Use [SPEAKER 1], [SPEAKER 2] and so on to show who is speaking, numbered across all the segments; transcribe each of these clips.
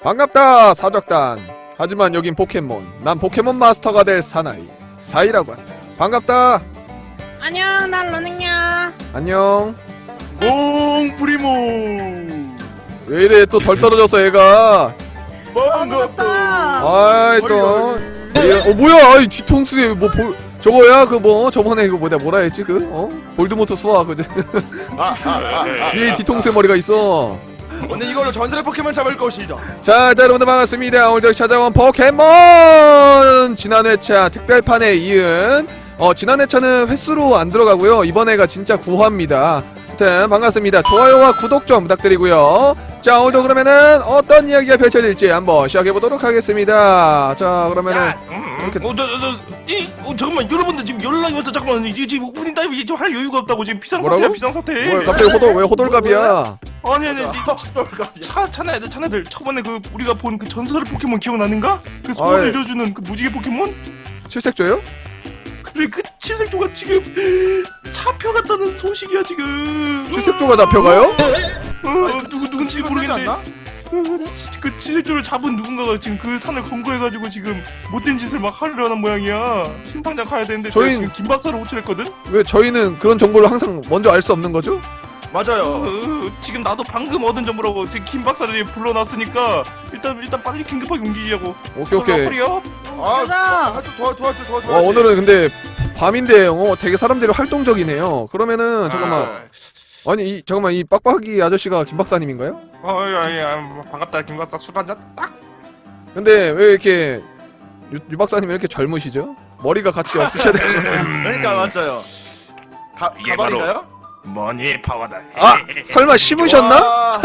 [SPEAKER 1] 반갑다 사적단. 하지만 여긴 포켓몬. 난 포켓몬 마스터가 될 사나이 사이라고 한다. 반갑다.
[SPEAKER 2] 안녕, 난 러닝이야.
[SPEAKER 1] 안녕.
[SPEAKER 3] 몽 프리모.
[SPEAKER 1] 왜 이래 또 덜 떨어졌어 얘가.
[SPEAKER 3] 반갑다.
[SPEAKER 1] 아이 또 뭐야 이 뒤통수에 뭐 저거야 그 뭐 저번에 이거 뭐라 했지 볼드모트 수화 그 뒤에 뒤통수에 머리가 있어.
[SPEAKER 3] 오늘 이걸로 전설의 포켓몬 잡을 것이다.
[SPEAKER 1] 자 여러분들 반갑습니다. 오늘도 찾아온 포켓몬 지난 회차 특별판에 이은 지난 회차는 횟수로 안 들어가고요. 이번 회가 진짜 9화입니다. 하여튼 반갑습니다. 좋아요와 구독 좀 부탁드리고요. 자 오늘도 그러면은 어떤 이야기가 펼쳐질지 한번 시작해보도록 하겠습니다. 자 그러면은 이렇게
[SPEAKER 4] 잠깐만 여러분들 지금 연락이 와서 잠깐만 이게 지금 오프닝 타임 이게 좀 할 여유가 없다고 지금
[SPEAKER 1] 뭐라고?
[SPEAKER 4] 비상사태야 비상사태.
[SPEAKER 1] 뭐야 갑자기 왜 호돌갑이야?
[SPEAKER 4] 아니 차네들 저번에 그 우리가 본 그 전설의 포켓몬 기억나는가? 그 소원을 이뤄주는 그 무지개 포켓몬?
[SPEAKER 1] 칠색조요?
[SPEAKER 4] 그래 그 칠색조가 지금 잡혀갔다는 소식이야 지금.
[SPEAKER 1] 칠색조가 잡혀가요?
[SPEAKER 4] 누군지 모르겠는데 그 칠색조를 잡은 누군가가 지금 그 산을 검거해가지고 지금 못된 짓을 막 하려는 모양이야. 심판장 가야 되는데
[SPEAKER 1] 저희
[SPEAKER 4] 지금 김바사를 호출했거든?
[SPEAKER 1] 왜 저희는 그런 정보를 항상 먼저 알 수 없는 거죠?
[SPEAKER 3] 맞아요.
[SPEAKER 4] 지금 나도 방금 얻은 정보라고 지금 김 박사를 불러놨으니까 일단 빨리 긴급하게 옮기자고.
[SPEAKER 1] 오케이.
[SPEAKER 4] 허리요?
[SPEAKER 2] 가자.
[SPEAKER 3] 도와줘.
[SPEAKER 1] 와 오늘은 근데 밤인데 되게 사람들이 활동적이네요. 그러면은 잠깐만 잠깐만 이 빡빡이 아저씨가 김 박사님인가요?
[SPEAKER 4] 반갑다 김 박사 술 한잔 딱.
[SPEAKER 1] 근데 왜 이렇게 유 박사님이 이렇게 젊으시죠? 머리가 같이 없으셔야 되는
[SPEAKER 3] 그러니까 맞아요.
[SPEAKER 4] 이게
[SPEAKER 3] 가발인가요?
[SPEAKER 4] 머니의 파워다.
[SPEAKER 1] 아 설마 심으셨나?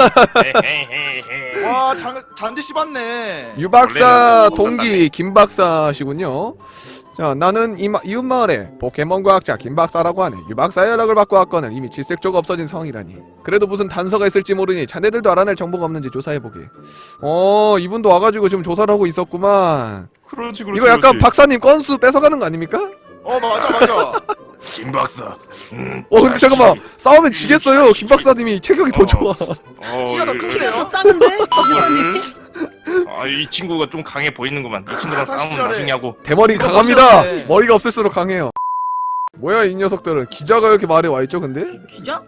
[SPEAKER 3] 와 잔디 씹었네.
[SPEAKER 1] 유 박사
[SPEAKER 4] 원래는
[SPEAKER 1] 동기 김 박사시군요. 자 나는 이웃 마을의 포켓몬 과학자 김 박사라고 하네. 유 박사의 연락을 받고 왔거늘 이미 질색조가 없어진 상황이라니. 그래도 무슨 단서가 있을지 모르니 자네들도 알아낼 정보가 없는지 조사해보게. 이분도 와가지고 지금 조사를 하고 있었구만.
[SPEAKER 4] 그렇지.
[SPEAKER 1] 이거 약간 박사님 건수 뺏어가는 거 아닙니까?
[SPEAKER 3] 맞아.
[SPEAKER 4] 김 박사.
[SPEAKER 1] 근데 잠깐만 싸우면 지겠어요. 김 박사님이 체격이 더 좋아.
[SPEAKER 3] 키가 더 크네요.
[SPEAKER 2] 더 작은데? 박사님.
[SPEAKER 4] 이 친구가 좀 강해 보이는구만. 이 친구랑 싸우면
[SPEAKER 3] 확실하네.
[SPEAKER 4] 나중에 하고.
[SPEAKER 1] 대머리
[SPEAKER 3] 이거
[SPEAKER 1] 강합니다.
[SPEAKER 3] 멋있네.
[SPEAKER 1] 머리가 없을수록 강해요. 뭐야 이 녀석들은. 기자가 이렇게 말에 와있죠 근데?
[SPEAKER 2] 기자?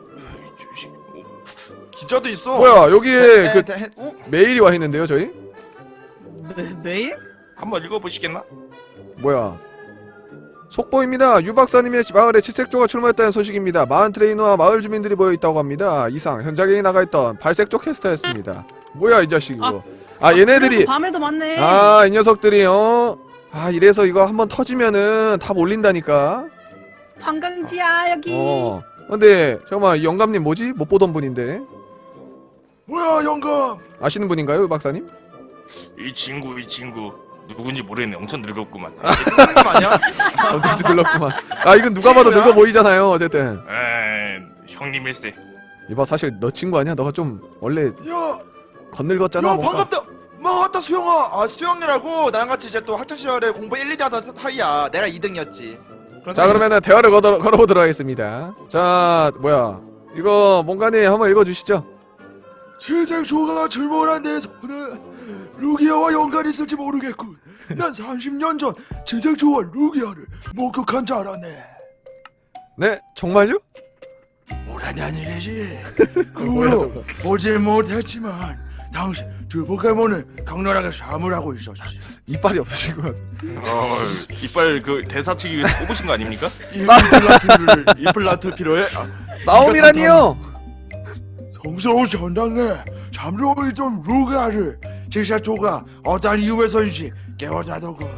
[SPEAKER 3] 기자도 있어.
[SPEAKER 1] 뭐야 여기에 그
[SPEAKER 3] 대-
[SPEAKER 1] 메일이 와있는데요 저희?
[SPEAKER 2] 매일?
[SPEAKER 4] 한번 읽어보시겠나?
[SPEAKER 1] 뭐야 속보입니다. 유 박사님의 마을에 칠색조가 출몰했다는 소식입니다. 마을 트레이너와 마을 주민들이 모여있다고 합니다. 이상 현장에 나가있던 발색조 캐스터였습니다. 뭐야 이 자식 이거. 얘네들이
[SPEAKER 2] 그래서 밤에도 많네.
[SPEAKER 1] 이 녀석들이 이래서 이거 한번 터지면은 다 몰린다니까.
[SPEAKER 2] 관광지야 여기.
[SPEAKER 1] 근데 잠깐만 이 영감님 뭐지? 못 보던 분인데
[SPEAKER 3] 뭐야 영감.
[SPEAKER 1] 아시는 분인가요 유 박사님?
[SPEAKER 4] 이 친구 누군지 모르겠네. 엄청 늙었구만.
[SPEAKER 3] 사람 아니야?
[SPEAKER 1] 누군지 놀랐구만. 이건 누가 봐도 늙어 보이잖아요 어쨌든.
[SPEAKER 4] 형님일세.
[SPEAKER 1] 이봐 사실 너 친구 아니야? 너가 좀 원래
[SPEAKER 3] 야
[SPEAKER 1] 건늙었잖아 뭔가.
[SPEAKER 3] 반갑다. 맞다 수영아. 수영이라고 나랑 같이 이제 또 학창 시절에 공부 1, 2대 하던 사이야. 내가 2등이었지.
[SPEAKER 1] 자 그러면은 대화를 걸어보도록 하겠습니다. 자 뭐야 이거 뭔가님 한번 읽어주시죠.
[SPEAKER 3] 칠색조가 출몰한 데서는 루기아와 연관이 있을지 모르겠군. 난 30년 전 칠색조와 루기아를 목격한 줄 알았네.
[SPEAKER 1] 네 정말요?
[SPEAKER 3] 오래된 일이지. 그
[SPEAKER 1] 뭐야,
[SPEAKER 3] 후로
[SPEAKER 1] 저거.
[SPEAKER 3] 보질 못했지만 당시 두 포켓몬은 격렬하게 싸움하고 있었지.
[SPEAKER 1] 이빨이 없으신 것 같아.
[SPEAKER 4] 이빨 그 대사치기 위해서 뽑으신 거 아닙니까?
[SPEAKER 3] 이플라트 필요해?
[SPEAKER 1] 싸움이라니요?
[SPEAKER 3] 성스러운 전당에 잠들고 있던 루기아를 칠색조가 어떤 이유에서인지 깨워자더군.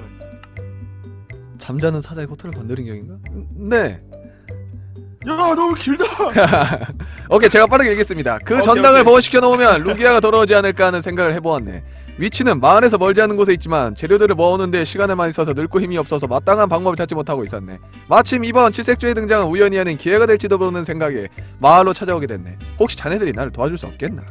[SPEAKER 1] 잠자는 사자의 호텔을 건드린 경인가? 네.
[SPEAKER 3] 야 너무 길다.
[SPEAKER 1] 오케이 제가 빠르게 읽겠습니다. 그
[SPEAKER 3] 오케이,
[SPEAKER 1] 전당을
[SPEAKER 3] 오케이.
[SPEAKER 1] 보호시켜 놓으면 루기아가 돌아오지 않을까 하는 생각을 해보았네. 위치는 마을에서 멀지 않은 곳에 있지만 재료들을 모으는데 시간을 많이 써서 늙고 힘이 없어서 마땅한 방법을 찾지 못하고 있었네. 마침 이번 칠색조의 등장은 우연히 아닌 기회가 될지도 모르는 생각에 마을로 찾아오게 됐네. 혹시 자네들이 나를 도와줄 수 없겠나?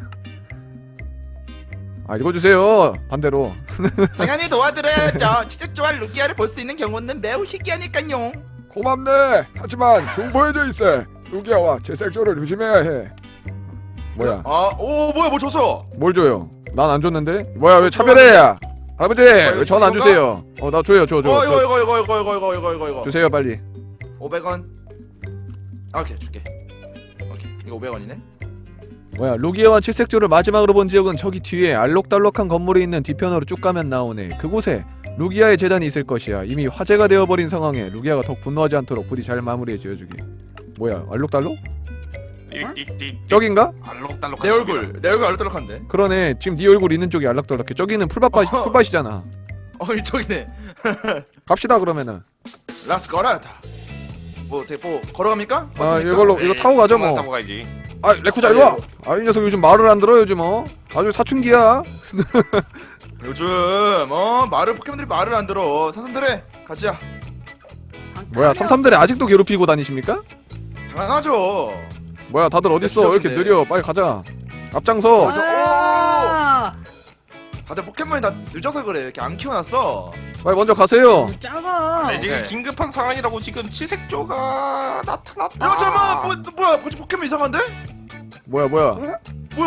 [SPEAKER 1] 읽어주세요 반대로.
[SPEAKER 3] 당연히 도와드려야죠. 칠색조와 루기아를 볼 수 있는 경우는 매우 희귀하니까요.
[SPEAKER 1] 고맙네. 하지만 중보해줘 있어. 루기아와 칠색조를 조심해야 해. 뭐야
[SPEAKER 3] 뭐야 뭐 줬어.
[SPEAKER 1] 뭘 줘요? 난 안 줬는데? 뭐야 왜 차별해? 아버지 왜 전 안 주세요? 나 줘요 줘.
[SPEAKER 3] 이거
[SPEAKER 1] 주세요 빨리.
[SPEAKER 3] 500원. 아, 오케이 줄게. 오케이 이거 500원이네.
[SPEAKER 1] 뭐야 루기아와 칠색조를 마지막으로 본 지역은 저기 뒤에 알록달록한 건물이 있는 뒤편으로 쭉 가면 나오네. 그곳에 루기아의 재단이 있을 것이야. 이미 화제가 되어버린 상황에 루기아가 더 분노하지 않도록 부디 잘 마무리해 지어주기. 뭐야 알록달록?
[SPEAKER 4] 띡띡띡.
[SPEAKER 1] 저긴가?
[SPEAKER 4] 알록달록.
[SPEAKER 3] 내 얼굴 알록달록한데.
[SPEAKER 1] 그러네 지금 네 얼굴 있는 쪽이 알록달록해. 저기는 풀밭이잖아.
[SPEAKER 3] 이쪽이네.
[SPEAKER 1] 갑시다 그러면은.
[SPEAKER 3] 렛츠 고라다. 뭐 걸어갑니까?
[SPEAKER 1] 이거 타고 가죠 뭐.
[SPEAKER 4] 타고 가야지.
[SPEAKER 1] 레쿠자 일로와. 이 녀석 요즘 말을 안 들어 요즘 아주 사춘기야.
[SPEAKER 3] 요즘 말을 포켓몬들이 말을 안 들어. 사슴들에 가자.
[SPEAKER 1] 뭐야 삼삼들이 아직도 괴롭히고 다니십니까?
[SPEAKER 3] 당연하죠.
[SPEAKER 1] 뭐야 다들 어딨어? 왜 이렇게 느려? 빨리 가자. 앞장서.
[SPEAKER 3] 그래서
[SPEAKER 2] 아,
[SPEAKER 3] 다들 포켓몬이 다 늦어서 그래. 이렇게 안 키워놨어.
[SPEAKER 1] 빨리 먼저 가세요.
[SPEAKER 2] 작아.
[SPEAKER 4] 네, 지금
[SPEAKER 3] 네.
[SPEAKER 4] 긴급한 상황이라고 지금 칠색조가 나타났다.
[SPEAKER 3] 야 잠깐만 뭐야 벌써 포켓몬 이상한데?
[SPEAKER 1] 뭐야?
[SPEAKER 3] 뭐야?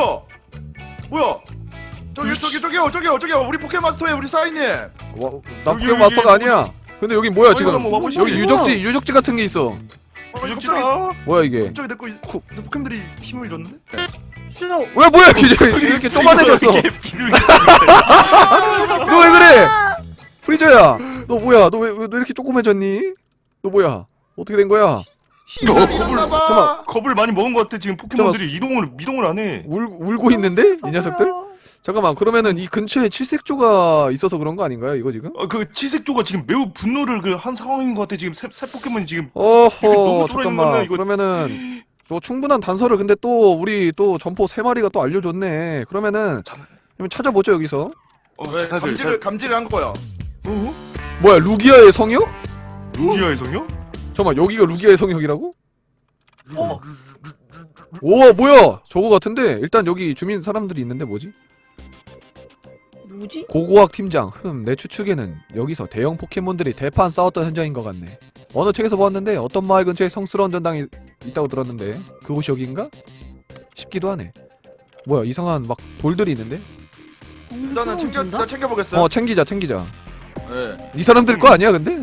[SPEAKER 3] 저기요 우리 포켓마스터에 우리 사인님.
[SPEAKER 1] 나
[SPEAKER 4] 여기,
[SPEAKER 1] 포켓 마스터가
[SPEAKER 4] 여기,
[SPEAKER 1] 아니야. 근데 여기 뭐야 지금?
[SPEAKER 4] 한번 와보시죠.
[SPEAKER 1] 여기 유적지 같은 게 있어.
[SPEAKER 4] 유적지다.
[SPEAKER 1] 뭐야 이게?
[SPEAKER 3] 갑자기 내 포켓몬들이 힘을 잃었는데?
[SPEAKER 2] 수도.
[SPEAKER 1] 왜 뭐야 이렇게 쪼만해졌어?
[SPEAKER 4] 이게 비둘기.
[SPEAKER 1] 너 왜 그래? 프리저야. 너 뭐야? 너 왜 이렇게 조그매졌니? 너 뭐야? 어떻게 된 거야?
[SPEAKER 3] 힘을 잃었나봐.
[SPEAKER 1] 잠깐만.
[SPEAKER 4] 겁을 많이 먹은 것 같아. 지금 포켓몬들이 이동을 안 해.
[SPEAKER 1] 울고 있는데 이 녀석들? 잠깐만 그러면은 이 근처에 칠색조가 있어서 그런 거 아닌가요? 이거 지금?
[SPEAKER 4] 그 칠색조가 지금 매우 분노를 한 상황인 것 같아. 지금 새 포켓몬이 지금
[SPEAKER 1] 어허
[SPEAKER 4] 너무 쫄아있는
[SPEAKER 1] 잠깐만
[SPEAKER 4] 거는 이거-
[SPEAKER 1] 그러면은 저 충분한 단서를 근데 또 우리 또 점포 3마리가 또 알려줬네. 그러면은 그러면 찾아보죠 여기서.
[SPEAKER 3] 왜 감지를 한 거야?
[SPEAKER 1] 뭐야 루기아의 성역?
[SPEAKER 4] 루기아의 성요?
[SPEAKER 1] 잠깐만 여기가 루기아의 성역이라고? 오 뭐야 저거 같은데 일단 여기 주민 사람들이 있는데 뭐지?
[SPEAKER 2] 누구지?
[SPEAKER 1] 고고학 팀장 내 추측에는 여기서 대형 포켓몬들이 대판 싸웠던 현장인 것 같네. 어느 책에서 보았는데 어떤 마을 근처에 성스러운 전당이 있다고 들었는데 그곳이 여기인가? 싶기도 하네. 뭐야 이상한 막 돌들이 있는데?
[SPEAKER 3] 일단은 일단 챙겨보겠어요.
[SPEAKER 1] 챙기자
[SPEAKER 3] 네.
[SPEAKER 1] 이 사람들 거 아니야 근데?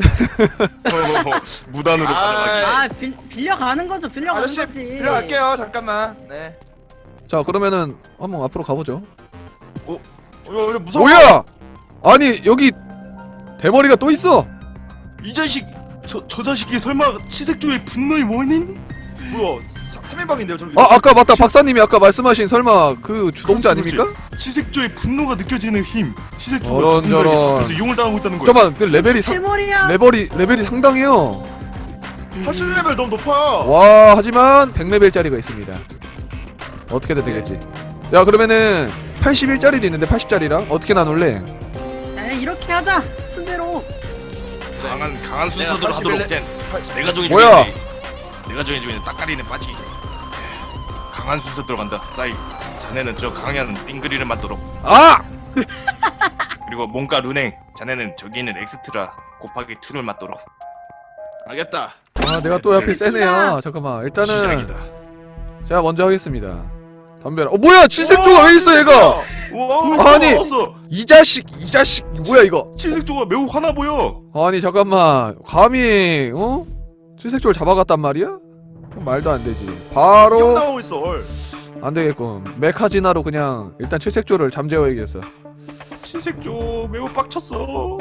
[SPEAKER 4] 무단으로 가져가기.
[SPEAKER 2] 아, 빌려가는 거죠. 빌려가는
[SPEAKER 3] 아저씨
[SPEAKER 2] 거지.
[SPEAKER 3] 빌려갈게요. 잠깐만. 네.
[SPEAKER 1] 자 그러면은 한번 앞으로 가보죠.
[SPEAKER 3] 이거 무서워.
[SPEAKER 1] 뭐야! 아니 여기 대머리가 또 있어.
[SPEAKER 4] 이 자식 저 자식이 설마 칠색조의 분노의 원인?
[SPEAKER 3] 뭐야? 3인방인데요 저기.
[SPEAKER 1] 아까 맞다 박사님이 아까 말씀하신 설마 그 주동자 아닙니까?
[SPEAKER 4] 칠색조의 분노가 느껴지는 힘. 칠색조가
[SPEAKER 1] 저런,
[SPEAKER 4] 누군가에게
[SPEAKER 1] 저런.
[SPEAKER 4] 잡혀서 이용을 당하고 있다는 거야.
[SPEAKER 1] 잠깐만 그 레벨이
[SPEAKER 2] 대머리야.
[SPEAKER 1] 레벨이 상당해요.
[SPEAKER 3] 80레벨 너무 높아.
[SPEAKER 1] 와 하지만 100레벨짜리가 있습니다. 어떻게 되겠지? 야 그러면은 81짜리도 있는데 80짜리랑 어떻게 나눌래?
[SPEAKER 2] 야, 이렇게 하자. 순대로.
[SPEAKER 4] 강한 순서대로
[SPEAKER 3] 내가
[SPEAKER 4] 하도록
[SPEAKER 3] 81
[SPEAKER 4] 된 내가 정해주는
[SPEAKER 1] 뭐야?
[SPEAKER 4] 내가 정해주는 따까리는 빠지기. 강한 순서대로 간다. 싸이. 자네는 저 강한 빙그리를 맞도록.
[SPEAKER 1] 아!
[SPEAKER 4] 그리고 몸과 루냉. 자네는 저기 있는 엑스트라 곱하기 2를 맞도록.
[SPEAKER 3] 알겠다.
[SPEAKER 1] 아 내가 또 옆에 세네야. 잠깐만 일단은
[SPEAKER 4] 시작이다.
[SPEAKER 1] 제가 먼저 하겠습니다. 덤벼라. 뭐야 칠색조가 왜 있어 얘가?
[SPEAKER 4] 우와,
[SPEAKER 1] 아니!
[SPEAKER 4] 왔어.
[SPEAKER 1] 이 자식 뭐야 이거?
[SPEAKER 4] 칠색조가 매우 화나 보여.
[SPEAKER 1] 아니 잠깐만 감히 칠색조를 잡아갔단 말이야? 말도 안 되지.
[SPEAKER 3] 형
[SPEAKER 1] 바로
[SPEAKER 3] 나오고 있어.
[SPEAKER 1] 안 되겠군. 메카지나로 그냥 일단 칠색조를 잠재워야겠어.
[SPEAKER 4] 칠색조 매우 빡쳤어.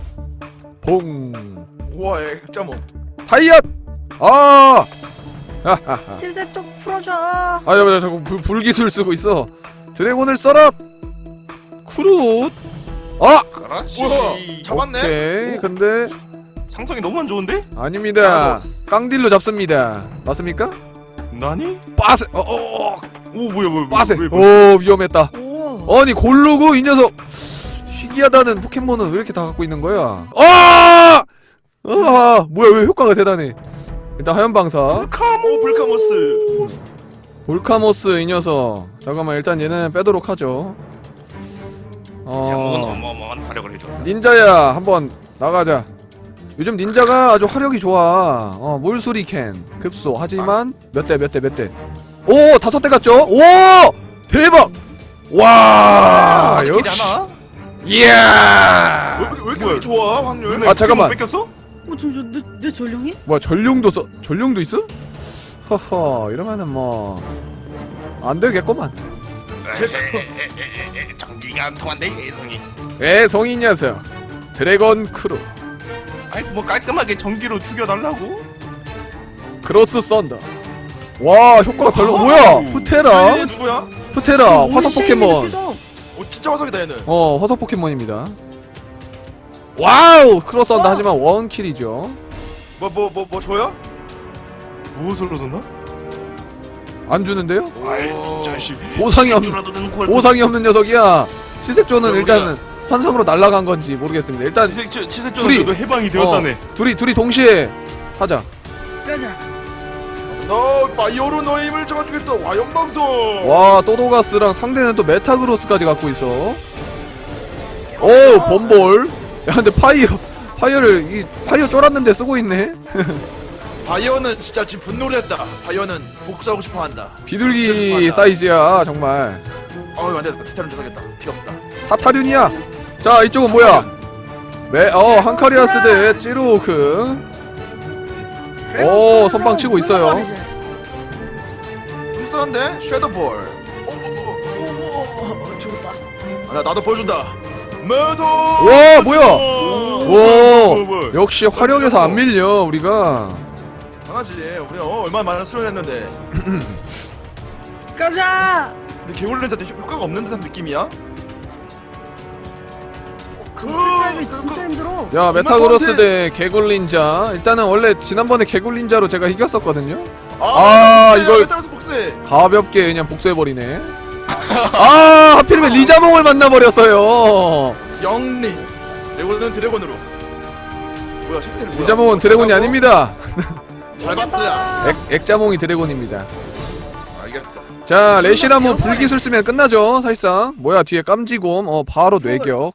[SPEAKER 1] 봉
[SPEAKER 3] 우와 액자모.
[SPEAKER 1] 타이엇 하하하.
[SPEAKER 2] 칠색 쪽 풀어줘.
[SPEAKER 1] 야 자꾸 불기술 쓰고 있어. 드래곤을 써라. 쿠룻.
[SPEAKER 4] 그렇지.
[SPEAKER 3] 우와 잡았네.
[SPEAKER 1] 오케이.
[SPEAKER 3] 오.
[SPEAKER 1] 근데
[SPEAKER 4] 상성이 너무 안 좋은데?
[SPEAKER 1] 아닙니다. 깡딜로 잡습니다. 맞습니까?
[SPEAKER 4] 나니?
[SPEAKER 1] 빠세.
[SPEAKER 4] 오 뭐야
[SPEAKER 1] 빠세.
[SPEAKER 4] 뭐야.
[SPEAKER 1] 오 위험했다.
[SPEAKER 2] 오.
[SPEAKER 1] 아니 고르고 이 녀석 희귀하다는 포켓몬은 왜 이렇게 다 갖고 있는 거야? 뭐야 왜 효과가 대단해. 일단 하얀방사
[SPEAKER 4] 카모
[SPEAKER 3] 불카모스.
[SPEAKER 1] 볼카모스 이 녀석. 잠깐만 일단 얘는 빼도록 하죠.
[SPEAKER 4] 제목은 어마어마한 활약을 해줘.
[SPEAKER 1] 닌자야 한번 나가자. 요즘 닌자가 아주 화력이 좋아. 물수리캔 급소. 하지만 몇 대 오 5대 갔죠? 오 대박. 와
[SPEAKER 4] 길이
[SPEAKER 1] 역시
[SPEAKER 4] 하나?
[SPEAKER 1] 이야
[SPEAKER 3] 왜 이렇게 좋아 확률?
[SPEAKER 4] 너네
[SPEAKER 1] 아, 잠깐만.
[SPEAKER 4] 뺏겼어?
[SPEAKER 2] 잠시만 내 전령이?
[SPEAKER 1] 뭐야 전룡도 있어? 허허 이러면은 뭐 안되겠구만.
[SPEAKER 4] 전기가 안 통한데 예성이.
[SPEAKER 1] 애송이 녀석 드래곤 크루
[SPEAKER 4] 아이 뭐 깔끔하게 전기로 죽여달라고?
[SPEAKER 1] 크로스 썬더. 와 효과가 별로. 뭐야 푸테라
[SPEAKER 3] 얘 누구야?
[SPEAKER 1] 푸테라
[SPEAKER 2] 지금
[SPEAKER 1] 화석
[SPEAKER 2] 우리 쉐이미를
[SPEAKER 1] 포켓몬.
[SPEAKER 2] 끄죠?
[SPEAKER 3] 진짜 화석이다 얘는.
[SPEAKER 1] 화석 포켓몬입니다. 와우 크로스 썬더
[SPEAKER 2] 와.
[SPEAKER 1] 하지만 원킬이죠.
[SPEAKER 3] 뭐 줘요?
[SPEAKER 4] 무엇을 얻었나?
[SPEAKER 1] 안 주는데요?
[SPEAKER 4] 아이 자식.
[SPEAKER 1] 보상이 없는
[SPEAKER 4] 실수라도 는 걸
[SPEAKER 1] 보상이 없는 녀석이야. 시색조는
[SPEAKER 3] 우리가-
[SPEAKER 1] 일단은 환상으로 날아간 건지 모르겠습니다. 일단
[SPEAKER 4] 치색전도 해방이 되었다네.
[SPEAKER 1] 둘이 동시에 하자.
[SPEAKER 2] 가자.
[SPEAKER 3] 너 바이오로 너의 힘을 잡아주겠다. 와연방송.
[SPEAKER 1] 와 또도가스랑 상대는 또 메타그로스까지 갖고 있어. 오 범볼. 야 근데 파이어를 파이어 쫄았는데 쓰고 있네.
[SPEAKER 3] 바이오는 진짜 지금 분노를 했다. 바이오는 복수하고 싶어한다.
[SPEAKER 1] 비둘기
[SPEAKER 3] 죄송하다.
[SPEAKER 1] 사이즈야 정말.
[SPEAKER 3] 안돼. 티타는 조사겠다. 필요 없다.
[SPEAKER 1] 타타륜이야. 자 이쪽은 뭐야? 한카리아스 대 찌루크. 오 선방 치고 있어요.
[SPEAKER 3] 좀 쓰는데 섀도볼.
[SPEAKER 2] 죽었다.
[SPEAKER 3] 나도 보여준다. 매도.
[SPEAKER 1] 와 뭐야? 오
[SPEAKER 4] 뭐.
[SPEAKER 1] 역시 화력에서 안 밀려 우리가.
[SPEAKER 3] 강하지. 우리 얼마나 많은 수련을 했는데.
[SPEAKER 2] 가자.
[SPEAKER 3] 근데 개울렌자도 효과가 없는 듯한 느낌이야.
[SPEAKER 2] 그 타임이 진짜 힘들어.
[SPEAKER 1] 야
[SPEAKER 3] 정말
[SPEAKER 1] 메타그로스
[SPEAKER 3] 뻔해.
[SPEAKER 1] 대 개굴린자. 일단은 원래 지난번에 개굴린자로 제가 이겼었거든요.
[SPEAKER 3] 복수해.
[SPEAKER 1] 이걸-
[SPEAKER 3] 메타로스 복수해.
[SPEAKER 1] 가볍게 그냥 복수해버리네. 아 하필이면 리자몽을 만나버렸어요.
[SPEAKER 3] 영리. 드래곤은 드래곤으로. 뭐야 식세를 뭐야?
[SPEAKER 1] 리자몽은 드래곤이 아닙니다.
[SPEAKER 3] 잘 봤다.
[SPEAKER 1] 액자몽이 드래곤입니다.
[SPEAKER 3] 알겠다.
[SPEAKER 1] 자 레시라모 불기술 쓰면 끝나죠 사실상. 뭐야 뒤에 깜지곰. 바로 뇌격.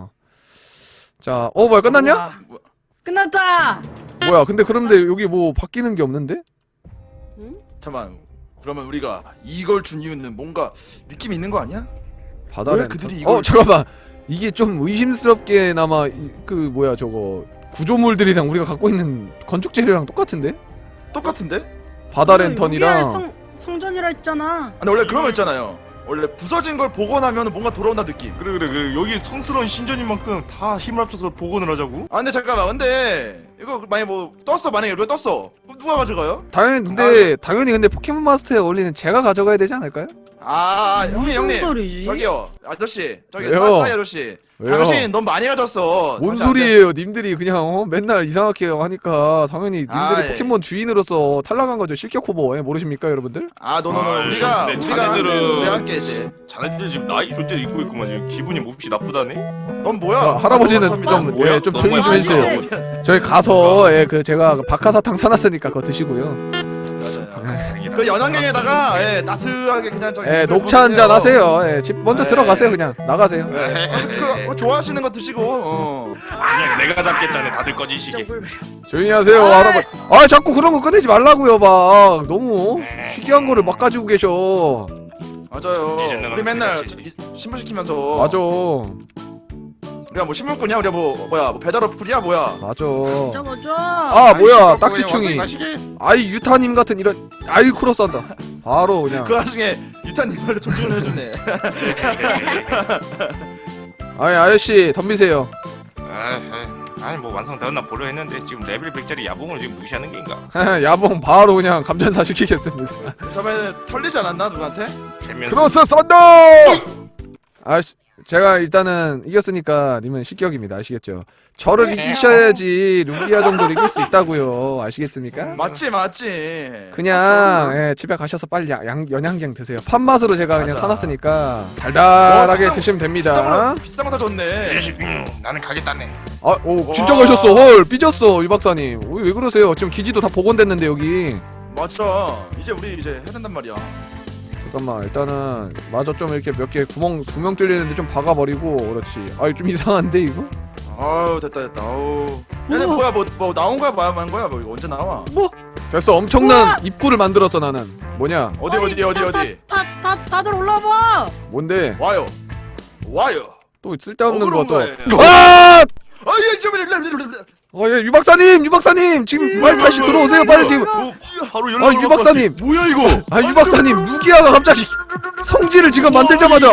[SPEAKER 1] 자 뭐야 끝났냐?
[SPEAKER 2] 끝났다.
[SPEAKER 1] 뭐야 근데 그런데 여기 뭐 바뀌는 게 없는데?
[SPEAKER 3] 잠깐만. 그러면 우리가 이걸 준 이유는 뭔가 느낌이 있는 거 아니야?
[SPEAKER 1] 바다
[SPEAKER 3] 왜
[SPEAKER 1] 렌터.
[SPEAKER 3] 그들이 이걸-
[SPEAKER 1] 잠깐만 이게 좀 의심스럽게나마 그 뭐야 저거 구조물들이랑 우리가 갖고 있는 건축 재료랑 똑같은데?
[SPEAKER 3] 똑같은데?
[SPEAKER 1] 바다
[SPEAKER 2] 여기가
[SPEAKER 1] 랜턴이랑
[SPEAKER 2] 성전이라 했잖아.
[SPEAKER 3] 근데 원래 그런 거 있잖아요. 원래 부서진 걸 복원하면 뭔가 돌아온다 느낌.
[SPEAKER 4] 그래 여기 성스러운 신전인 만큼 다 힘을 합쳐서 복원을 하자고?
[SPEAKER 3] 근데 잠깐만. 근데 이거 만약에 뭐 떴어. 만약에 우리가 떴어. 그럼 누가 가져가요?
[SPEAKER 1] 당연히 근데 포켓몬 마스터에 어울리는 제가 가져가야 되지 않을까요?
[SPEAKER 3] 형님.
[SPEAKER 2] 무슨 소리지?
[SPEAKER 3] 저기요. 아저씨. 저기
[SPEAKER 1] 왜요?
[SPEAKER 3] 싸이 아저씨.
[SPEAKER 1] 왜요?
[SPEAKER 3] 당신 너무 많이 가졌어.
[SPEAKER 1] 뭔
[SPEAKER 3] 당신 안 돼.
[SPEAKER 1] 소리예요 님들이 그냥 맨날 이상하게 하니까 당연히 님들이
[SPEAKER 3] 예.
[SPEAKER 1] 포켓몬 주인으로서 탈락한 거죠. 실격 후보. 모르십니까 여러분들?
[SPEAKER 3] 노노노. 우리가
[SPEAKER 4] 근데
[SPEAKER 3] 우리가 함께 이제.
[SPEAKER 4] 자네들 지금 나이 존재를 잊고 있구만. 지금 기분이 몹시 나쁘다네.
[SPEAKER 3] 넌 뭐야?
[SPEAKER 1] 할아버지는
[SPEAKER 3] 너무
[SPEAKER 1] 좀
[SPEAKER 4] 뭐야?
[SPEAKER 1] 좀
[SPEAKER 4] 너무
[SPEAKER 1] 조용히 좀
[SPEAKER 4] 많이
[SPEAKER 1] 해주세요. 저희 가서 제가 박하사탕 사놨으니까 그거 드시고요.
[SPEAKER 3] 그 연안경에다가 따스하게 그냥 저기
[SPEAKER 1] 녹차 한잔 하세요. 집 먼저
[SPEAKER 3] 네.
[SPEAKER 1] 들어가세요. 그냥 나가세요.
[SPEAKER 3] 그거 좋아하시는 거 드시고.
[SPEAKER 4] 그냥 내가 잡겠다네. 다들 꺼지시게.
[SPEAKER 1] 조용히 하세요 할아버지. 자꾸 그런 거 꺼내지 말라고요. 막 너무 희귀한 거를 막 가지고 계셔.
[SPEAKER 3] 맞아요.
[SPEAKER 4] 이제는
[SPEAKER 3] 우리 맨날
[SPEAKER 4] 그렇지.
[SPEAKER 3] 저기 신문 시키면서.
[SPEAKER 1] 맞아
[SPEAKER 3] 우리가 뭐 신문꾼이야? 우리가 뭐 배달 어플이야? 뭐야?
[SPEAKER 1] 맞아.
[SPEAKER 2] 잡아줘.
[SPEAKER 1] 뭐야 딱지충이. 아이 유타님 같은 이런 아이 크로스한다. 바로 그냥.
[SPEAKER 3] 그 와중에 유타님을 존중을 해주네.
[SPEAKER 1] 아저씨 덤비세요.
[SPEAKER 4] 아니 뭐 완성되었나 보려 했는데 지금 레벨 100짜리 야봉을 지금 무시하는 게인가?
[SPEAKER 1] 야봉 바로 그냥 감전사 시키겠습니다.
[SPEAKER 3] 처음에 털리지 않았나 누구한테?
[SPEAKER 4] 최면서
[SPEAKER 1] 크로스 썬더! 제가 일단은 이겼으니까 님은 실격입니다. 아시겠죠? 저를 이기셔야지 루기아 정도를 이길 수 있다고요. 아시겠습니까?
[SPEAKER 3] 맞지.
[SPEAKER 1] 그냥 집에 가셔서 빨리 연양갱 드세요. 팥맛으로 제가 그냥
[SPEAKER 3] 맞아.
[SPEAKER 1] 사놨으니까 달달하게
[SPEAKER 3] 비싼-
[SPEAKER 1] 드시면 됩니다.
[SPEAKER 3] 비싼 거 사줬네.
[SPEAKER 4] 나는 가겠다네.
[SPEAKER 1] 진짜 가셨어. 헐 삐졌어 유 박사님. 왜 그러세요? 지금 기지도 다 복원됐는데 여기.
[SPEAKER 3] 맞죠. 이제 우리 이제 해야 된단 말이야.
[SPEAKER 1] 잠깐만 일단은 마저 좀 이렇게 몇 개 구멍 뚫리는데 좀 박아버리고. 그렇지. 좀 이상한데 이거?
[SPEAKER 3] 됐다. 아우. 얘네 뭐야 뭐 나온 거야 뭐 한 거야 뭐 이거 언제 나와?
[SPEAKER 1] 됐어. 엄청난
[SPEAKER 2] 우와!
[SPEAKER 1] 입구를 만들었어 나는. 뭐냐?
[SPEAKER 3] 어디?
[SPEAKER 2] 다들 올라와.
[SPEAKER 1] 뭔데?
[SPEAKER 3] 와요.
[SPEAKER 1] 또 쓸데없는
[SPEAKER 3] 억울한
[SPEAKER 1] 것도.
[SPEAKER 3] 거예요.
[SPEAKER 1] 아!
[SPEAKER 3] 아예 좀
[SPEAKER 1] 유 박사님 지금 빨리 다시 들어오세요. 빨리 지금.
[SPEAKER 4] 바로 연락.
[SPEAKER 1] 유 박사님.
[SPEAKER 4] 뭐야 이거?
[SPEAKER 1] 유 박사님 루기아가 갑자기 성질을 지금 만들자마자.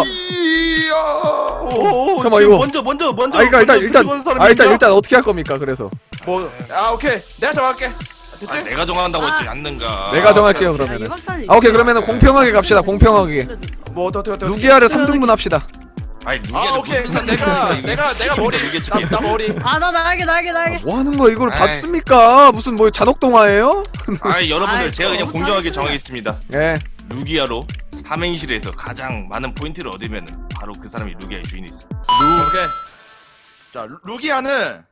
[SPEAKER 4] 오,
[SPEAKER 1] 잠깐만,
[SPEAKER 4] 지금
[SPEAKER 1] 이거.
[SPEAKER 4] 먼저.
[SPEAKER 1] 일단 어떻게 할 겁니까? 그래서
[SPEAKER 3] 오케이 내가 정할게. 됐지?
[SPEAKER 4] 내가 정한다고 했지 않는가?
[SPEAKER 1] 내가 정할게요
[SPEAKER 2] 이
[SPEAKER 1] 그러면은.
[SPEAKER 2] 박사님.
[SPEAKER 1] 오케이 그러면은 공평하게 갑시다. 공평하게.
[SPEAKER 3] 뭐 어떻게
[SPEAKER 1] 루기아를 3등분 합시다.
[SPEAKER 4] 아니 루기야.
[SPEAKER 3] 오케이 내가 머리 나 머리.
[SPEAKER 2] 나 날개.
[SPEAKER 1] 뭐 하는 거야 이걸
[SPEAKER 4] 아이.
[SPEAKER 1] 봤습니까? 무슨 뭐 잔혹동화예요?
[SPEAKER 4] 여러분들
[SPEAKER 2] 아이,
[SPEAKER 4] 제가 그냥
[SPEAKER 2] 저
[SPEAKER 4] 공정하게
[SPEAKER 2] 못하겠어요.
[SPEAKER 4] 정하겠습니다.
[SPEAKER 1] 예.
[SPEAKER 4] 루기아로 삼행시에서 가장 많은 포인트를 얻으면 바로 그 사람이 루기아의 주인이 있어.
[SPEAKER 3] 오케이. 자 루기아는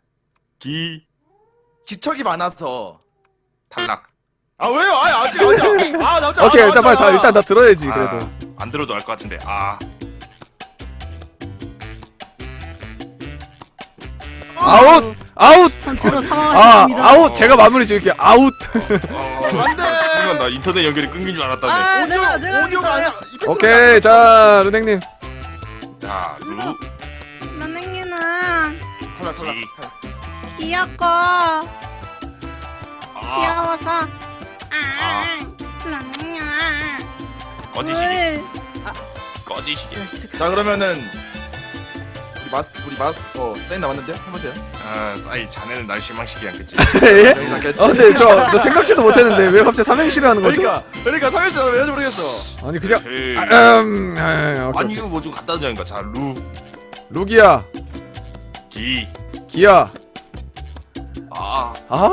[SPEAKER 3] 지척이 많아서
[SPEAKER 4] 탈락.
[SPEAKER 3] 아 왜요? 아직 나오자.
[SPEAKER 1] 오케이 일단 빨리 일단 다 들어야지 그래도.
[SPEAKER 4] 안 들어도 알 것 같은데.
[SPEAKER 1] 아웃.
[SPEAKER 2] 선체로 사망하셨습니다.
[SPEAKER 1] 아웃. 제가 마무리 지을게요. 아웃.
[SPEAKER 3] 안 돼.
[SPEAKER 4] 순간 나 인터넷 연결이 끊긴 줄 알았다네.
[SPEAKER 2] 내가
[SPEAKER 3] 오디오가 아니야.
[SPEAKER 1] 오케이 자 르넥님.
[SPEAKER 4] 자,
[SPEAKER 2] 선생님은
[SPEAKER 3] 탈락.
[SPEAKER 2] 귀엽고 귀여워서
[SPEAKER 4] 꺼지시게. 꺼지시게.
[SPEAKER 3] 자 그러면은 우리 스레인 남았는데 해보세요.
[SPEAKER 4] 싸이 자네는 날 실망시키게 않겠지.
[SPEAKER 1] 예?
[SPEAKER 3] 스레인 남겠지?
[SPEAKER 1] 근데 저 생각지도 못했는데 왜 갑자기 삼행시를 하는 거죠?
[SPEAKER 3] 그러니까 삼일째 왜 하는지 모르겠어.
[SPEAKER 1] 아니 그냥 오케이.
[SPEAKER 4] 아니 이거 뭐 좀 갖다 주자니까. 자,
[SPEAKER 1] 루기야.
[SPEAKER 4] 기.
[SPEAKER 1] 기야.
[SPEAKER 4] 아.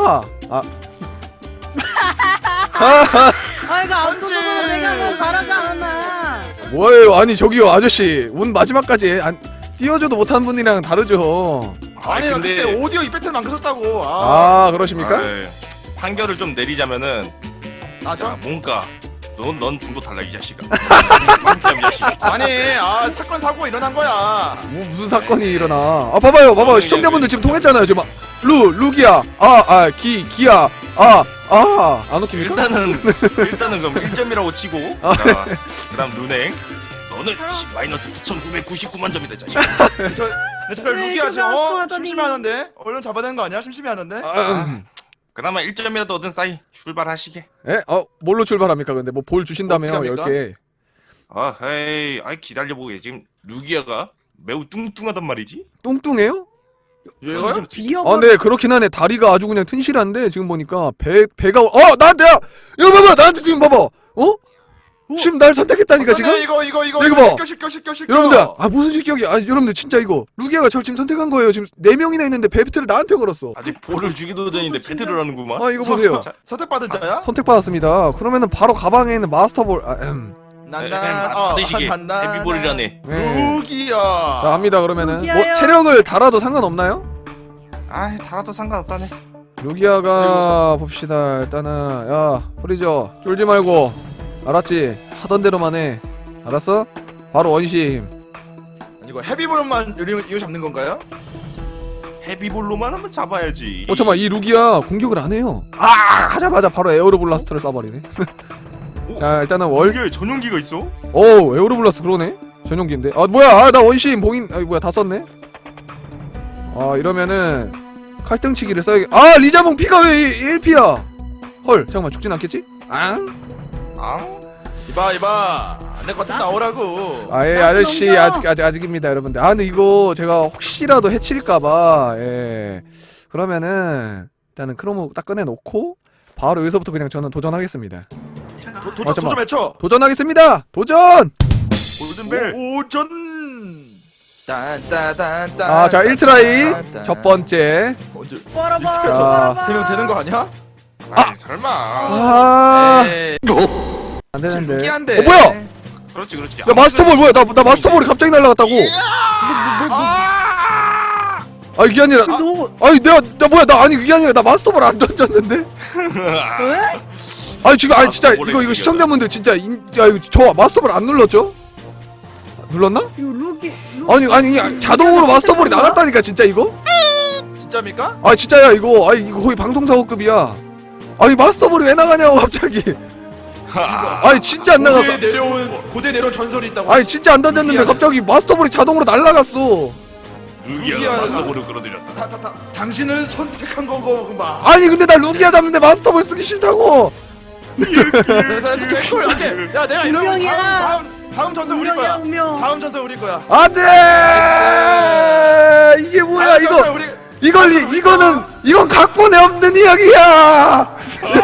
[SPEAKER 2] 이거 아무도 내가 너무 잘하지 않았나.
[SPEAKER 1] 뭐예요? 아니 저기요 아저씨 운 마지막까지 띄워줘도 못한 분이랑 다르죠.
[SPEAKER 3] 아니 나
[SPEAKER 4] 근데
[SPEAKER 3] 그때 오디오 이펙트 망가졌다고.
[SPEAKER 1] 그러십니까?
[SPEAKER 4] 판결을 좀 내리자면은
[SPEAKER 3] 자
[SPEAKER 4] 자, 뭔가 넌 중도 탈락 이 자식아. 이 자식아.
[SPEAKER 3] 아니 사건 사고가 일어난 거야.
[SPEAKER 1] 무슨 사건이 일어나? 봐봐요 시청자분들 지금 통했잖아요 지금. 루기야. 기야. 안 웃깁니까?
[SPEAKER 4] 일단은 그럼 1점이라고 치고. 자, 그다음 루넥. 너는 마이너스 9,999만 점이다 이 자식아.
[SPEAKER 3] 저 루기야 지금 심심해하는데 얼른 잡아내는 거 아니야? 심심해하는데.
[SPEAKER 4] 그나마 1점이라도 얻은 싸이 출발하시게.
[SPEAKER 1] 예? 뭘로 출발합니까? 근데 뭐 볼 주신다며요
[SPEAKER 3] 어떻게 합니까?
[SPEAKER 1] 10개.
[SPEAKER 4] 헤이, 기다려보게. 지금 루기아가 매우 뚱뚱하단 말이지.
[SPEAKER 1] 뚱뚱해요?
[SPEAKER 3] 얘가?
[SPEAKER 2] 비어버.
[SPEAKER 1] 네 그렇긴 하네. 다리가 아주 그냥 튼실한데 지금 보니까 배가 나한테 이거 봐봐 나한테 지금 봐봐. 지금 날 선택했다니까 지금?
[SPEAKER 3] 이거
[SPEAKER 1] 봐.
[SPEAKER 3] 시켜.
[SPEAKER 1] 여러분들 무슨 실격이야. 여러분들 진짜 이거 루기아가 저를 지금 선택한 거예요. 지금 4명이나 있는데 배트를 나한테 걸었어.
[SPEAKER 4] 아직 볼을 주기도 전인데 배틀을 하는구만.
[SPEAKER 1] 이거 보세요.
[SPEAKER 3] 선택받은 자야?
[SPEAKER 1] 선택받았습니다. 그러면은 바로 가방에 있는 마스터볼
[SPEAKER 4] 받으시게. 헤비볼이라네.
[SPEAKER 3] 루기야.
[SPEAKER 1] 자 합니다. 그러면은 뭐
[SPEAKER 2] 루기아요.
[SPEAKER 1] 체력을 달아도 상관없나요?
[SPEAKER 4] 달아도 상관없다네.
[SPEAKER 1] 루기아가 봅시다. 일단은 야 프리저 쫄지 말고 알았지? 하던 대로만 해. 알았어? 바로 원심.
[SPEAKER 3] 이거 헤비볼만 이거 잡는 건가요?
[SPEAKER 4] 헤비볼로만 한번 잡아야지.
[SPEAKER 1] 잠깐만 이 루기아 공격을 안 해요. 하자마자 바로 에어로블라스트를 쏴버리네. 자 일단은
[SPEAKER 4] 이게 전용기가 있어?
[SPEAKER 1] 에어로블라스트 그러네. 전용기인데. 뭐야? 나 원심 봉인. 뭐야 다 썼네. 이러면은 칼등치기를 써야겠. 리자몽 피가 왜 1피야? 헐 잠깐만 죽진 않겠지?
[SPEAKER 3] 이봐 안될 것 같으면 나오라고.
[SPEAKER 1] 예 아저씨 아직입니다 여러분들. 근데 이거 제가 혹시라도 해칠까봐 그러면은 일단은 크로모 딱 꺼내놓고 바로 여기서부터 그냥 저는 도전하겠습니다.
[SPEAKER 3] 도전 외쳐.
[SPEAKER 1] 도전하겠습니다. 도전.
[SPEAKER 4] 골든벨.
[SPEAKER 3] 오전. 딴따단따.
[SPEAKER 1] 자 1트라이 첫 번째.
[SPEAKER 3] 언제?
[SPEAKER 1] 자.
[SPEAKER 3] 되는 거 아니야?
[SPEAKER 4] 설마.
[SPEAKER 1] 안 되는데.
[SPEAKER 3] 루기한데.
[SPEAKER 1] 뭐야?
[SPEAKER 4] 그렇지.
[SPEAKER 1] 야 마스터볼 뭐야? 나 마스터볼이 갑자기 날아갔다고. 이게 아니라. 내가 뭐야? 그게 아니라 나 마스터볼 안 던졌는데.
[SPEAKER 2] 왜?
[SPEAKER 1] 지금 진짜 이거 시청자분들 진짜 이거 저 마스터볼 안 눌렀죠? 눌렀나?
[SPEAKER 2] 이거 루기.
[SPEAKER 1] 아니 자동으로 마스터볼이 나갔다니까 진짜 이거?
[SPEAKER 3] 진짜입니까?
[SPEAKER 1] 아 진짜야 이거. 아니 이거 거의 방송사고급이야. 아니 마스터볼이 왜 나가냐고 갑자기. 아니 진짜 안 나갔어.
[SPEAKER 3] 고대 내려온 전설이 있다고.
[SPEAKER 1] 아니 진짜 안 던졌는데
[SPEAKER 3] 루기아는-
[SPEAKER 1] 갑자기 마스터볼이 자동으로 날라갔어.
[SPEAKER 4] 루기아가 마스터볼을 끌어들였다.
[SPEAKER 3] 당신을 선택한 거구만.
[SPEAKER 1] 아니 근데 나 루기아 잡는데 마스터볼 쓰기 싫다고.
[SPEAKER 3] 그래서 개꿀. 오케이. 야 내가 이러면
[SPEAKER 2] 운명이야.
[SPEAKER 3] 다음 전설 우리
[SPEAKER 2] 운명이야
[SPEAKER 3] 거야.
[SPEAKER 2] 운명.
[SPEAKER 3] 다음 전설 우리 거야.
[SPEAKER 1] 안돼. 이게 뭐야
[SPEAKER 3] 다음
[SPEAKER 1] 이거.
[SPEAKER 3] 전설 우리.
[SPEAKER 1] 이건 각본에 없는 이야기야.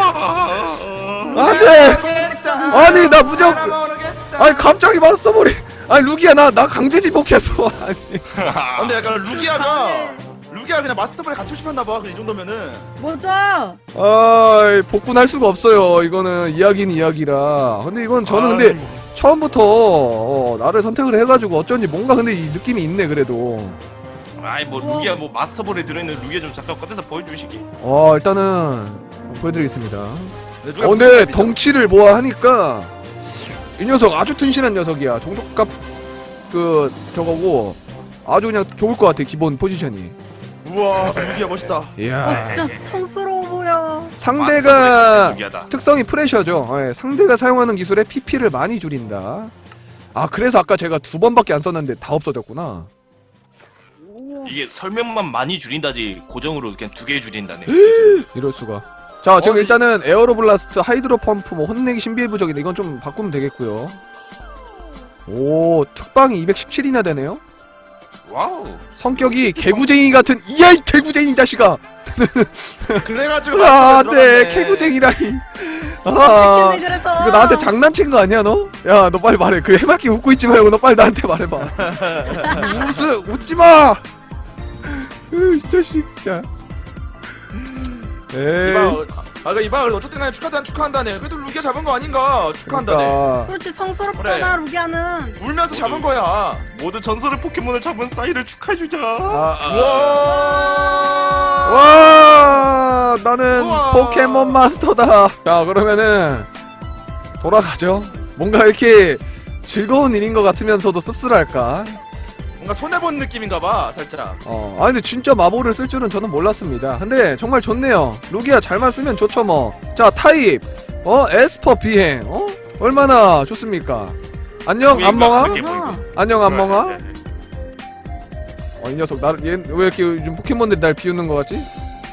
[SPEAKER 1] 안돼. 아니 나 무조건. 아니 갑자기 마스터볼이. 아니 루기아 나 강제 지목했어. 아니.
[SPEAKER 3] 근데 약간 루기아가 그냥 마스터볼에 갇히고 싶었나 봐. 이 정도면은.
[SPEAKER 2] 뭐죠?
[SPEAKER 1] 아 복군할 수가 없어요. 이거는 이야기는 이야기라. 근데 이건 저는 근데 처음부터 나를 선택을 해가지고 어쩐지 뭔가 근데 이 느낌이 있네 그래도.
[SPEAKER 4] 아이 뭐 루기아 뭐 마스터볼에 들어있는 루기아 좀 잠깐 꺼내서 보여주시기.
[SPEAKER 1] 일단은 보여드리겠습니다. 근데 덩치를 모아 하니까 이 녀석 아주 튼실한 녀석이야. 종족값 그 저거고 아주 그냥 좋을 것 같아 기본 포지션이.
[SPEAKER 3] 우와 루기아 멋있다.
[SPEAKER 1] 이야.
[SPEAKER 2] 진짜 성스러워 보여.
[SPEAKER 1] 상대가
[SPEAKER 4] 루기아다.
[SPEAKER 1] 특성이 프레셔죠. 예, 상대가 사용하는 기술에 PP를 많이 줄인다. 아 그래서 아까 제가 2번밖에 안 썼는데 다 없어졌구나.
[SPEAKER 4] 이게 설명만 많이 줄인다지 고정으로 그냥 2개 줄인다네.
[SPEAKER 1] 이럴 수가. 자 지금 일단은 에어로 블라스트, 하이드로 펌프, 뭐 혼내기 신비의 부적인데 이건 좀 바꾸면 되겠고요. 오 특방이 217이나 되네요.
[SPEAKER 4] 와우.
[SPEAKER 1] 성격이 개구쟁이 같은 이야 이 개구쟁이 자식아.
[SPEAKER 3] 그래가지고
[SPEAKER 1] 안돼 개구쟁이라니. 아
[SPEAKER 2] 때문에 그래서.
[SPEAKER 1] 이거 나한테 장난친 거 아니야 너? 야 너 빨리 말해. 그 해맑게 웃고 있지 말고 너 빨리 나한테 말해봐. 웃지 마. 이 자식 진짜. 에이.
[SPEAKER 3] 이봐 어쨌든 간에 축하한다네. 그래도 루기아 잡은 거 아닌가? 축하한다네.
[SPEAKER 1] 그러니까.
[SPEAKER 2] 그렇지 성스럽잖아 루기아는.
[SPEAKER 3] 울면서 잡은 거야.
[SPEAKER 4] 모두 전설의 포켓몬을 잡은 싸이를 축하해주자.
[SPEAKER 1] 와 나는
[SPEAKER 3] 우와.
[SPEAKER 1] 포켓몬 마스터다. 자 그러면은 돌아가죠. 뭔가 이렇게 즐거운 일인 것 같으면서도 씁쓸할까.
[SPEAKER 3] 뭔가 손해본 느낌인가봐 살짝.
[SPEAKER 1] 아 근데 진짜 마법을 쓸 줄은 저는 몰랐습니다. 근데 정말 좋네요. 루기아 잘만 쓰면 좋죠 뭐. 자 타입 에스퍼 비행 얼마나 좋습니까. 안녕 안멍아. 안녕 안멍아. 이 녀석 나를 얘 왜 이렇게 요즘 포켓몬들이 날 비웃는 것 같지?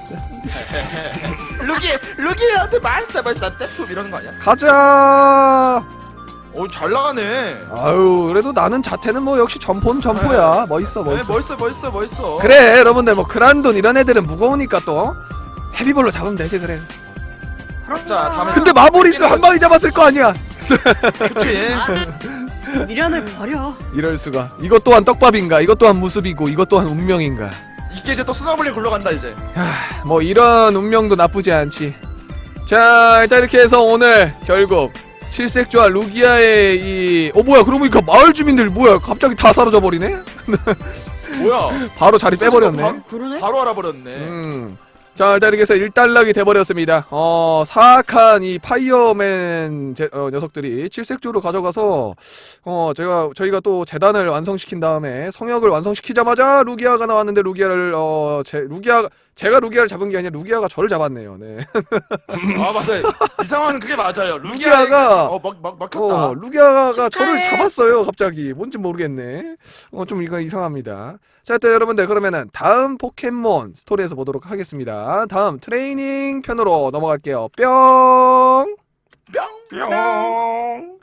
[SPEAKER 3] 루기아한테 마스터볼 썼대? 이러는 거 아니야?
[SPEAKER 1] 가자.
[SPEAKER 3] 잘 나가네.
[SPEAKER 1] 아유 그래도 나는 자태는 뭐 역시 점포는 점포야. 멋있어
[SPEAKER 3] 네,
[SPEAKER 1] 멋있어.
[SPEAKER 3] 멋있어.
[SPEAKER 1] 그래 여러분들 뭐 그란돈 이런 애들은 무거우니까 또 헤비볼로 잡으면 되지 그래.
[SPEAKER 3] 자 다음에.
[SPEAKER 1] 근데 마보리스 한 방에 잡았을 거 아니야.
[SPEAKER 3] 그치.
[SPEAKER 2] 미련을 버려.
[SPEAKER 1] 이럴 수가. 이것 또한 떡밥인가? 이것 또한 무습이고 이것 또한 운명인가?
[SPEAKER 3] 이게 이제 또 스노블링 굴러간다 이제.
[SPEAKER 1] 뭐 이런 운명도 나쁘지 않지. 자 일단 이렇게 해서 오늘 결국 칠색조와 루기아의 뭐야 그러고 보니까 마을 주민들 뭐야 갑자기 다 사라져 버리네.
[SPEAKER 3] 뭐야?
[SPEAKER 1] 바로 자리 빼버렸네.
[SPEAKER 2] 그러네.
[SPEAKER 3] 바로 알아버렸네.
[SPEAKER 1] 자 일단 이렇게 해서 일단락이 돼버렸습니다. 사악한 이 파이어맨 녀석들이 칠색조로 가져가서 저희가 또 재단을 완성시킨 다음에 성역을 완성시키자마자 루기아가 나왔는데 루기아를 제가 루기아를 잡은 게 아니라 루기아가 저를 잡았네요. 네.
[SPEAKER 3] 아 맞아요. 이 상황은 그게 맞아요.
[SPEAKER 1] 루기아가
[SPEAKER 3] 막혔다.
[SPEAKER 1] 루기아가
[SPEAKER 2] 축하해.
[SPEAKER 1] 저를 잡았어요. 갑자기 뭔지 모르겠네. 좀 이거 이상합니다. 자 일단 여러분들 그러면은 다음 포켓몬 스토리에서 보도록 하겠습니다. 다음 트레이닝 편으로 넘어갈게요. 뿅.
[SPEAKER 4] 뿅.